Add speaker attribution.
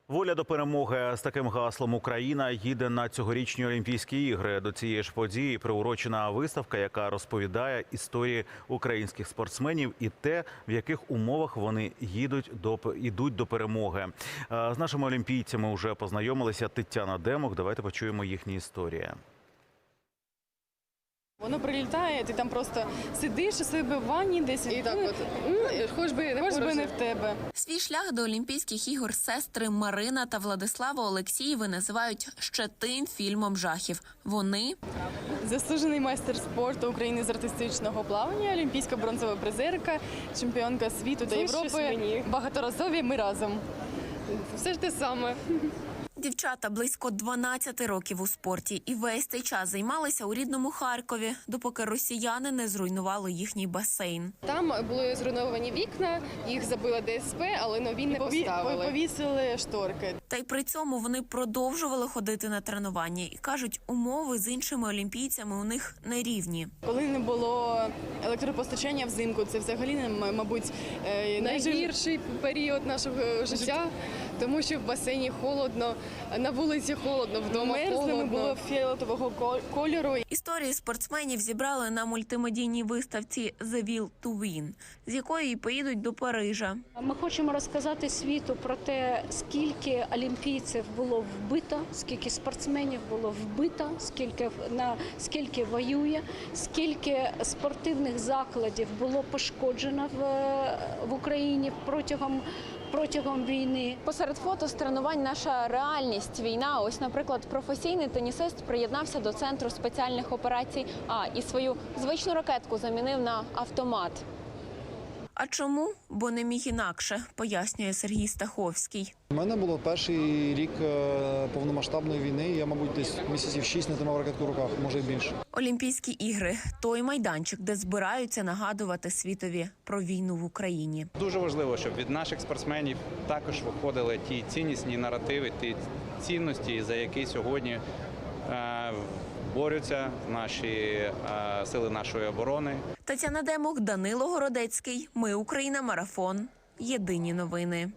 Speaker 1: Воля до перемоги. З таким гаслом Україна їде на цьогорічні Олімпійські ігри. До цієї ж події приурочена виставка, яка розповідає історії українських спортсменів і те, в яких умовах вони йдуть до перемоги. З нашими олімпійцями вже познайомилися Тетяна Демух. Давайте почуємо їхні історії.
Speaker 2: Воно прилітає, ти там просто сидиш у себе в ванні десь.
Speaker 3: І так от, хоч би
Speaker 2: не в тебе.
Speaker 4: Свій шлях до Олімпійських ігор сестри Марина та Владислава Олексієви називають ще тим фільмом жахів. Вони
Speaker 2: Заслужений майстер спорту України з артистичного плавання, олімпійська бронзова призерка, чемпіонка світу та Європи, багаторазові ми разом.
Speaker 3: все ж те саме.
Speaker 4: дівчата близько 12 років у спорті і весь цей час займалися у рідному Харкові, допоки росіяни не зруйнували їхній басейн.
Speaker 3: Там були зруйновані вікна, їх забила ДСП, але нові не поставили.
Speaker 2: Повісили шторки.
Speaker 4: Та й при цьому вони продовжували ходити на тренування і кажуть, умови з іншими олімпійцями у них нерівні.
Speaker 2: Коли не було електропостачання взимку, це взагалі, мабуть,
Speaker 3: Найгірший період нашого життя, тому що в басейні холодно, на вулиці холодно, вдома холодно.
Speaker 2: Було фіолетового кольору.
Speaker 4: Історії спортсменів зібрали на мультимедійній виставці «The Will to Win», з якої й поїдуть до Парижа.
Speaker 5: Ми хочемо розказати світу про те, скільки олімпійців було вбито, скільки спортсменів було вбито, скільки воює, скільки спортивних закладів було пошкоджено в Україні протягом війни.
Speaker 6: Посеред фото з тренувань наша реальність, війна. Ось, наприклад, професійний тенісист приєднався до Центру спеціальних операцій А і свою звичну ракетку замінив на автомат.
Speaker 4: А чому? Бо не міг інакше, пояснює Сергій Стаховський.
Speaker 7: У мене було перший рік повномасштабної війни, я, мабуть, десь місяців 6 не тримав ракетку в руках, може й більше.
Speaker 4: Олімпійські ігри – той майданчик, де збираються нагадувати світові про війну в Україні.
Speaker 8: Дуже важливо, щоб від наших спортсменів також виходили ті ціннісні наративи, ті цінності, за які сьогодні борються наші сили нашої оборони.
Speaker 4: Тетяна Демух, Данило Городецький. Ми Україна. Марафон. Єдині новини.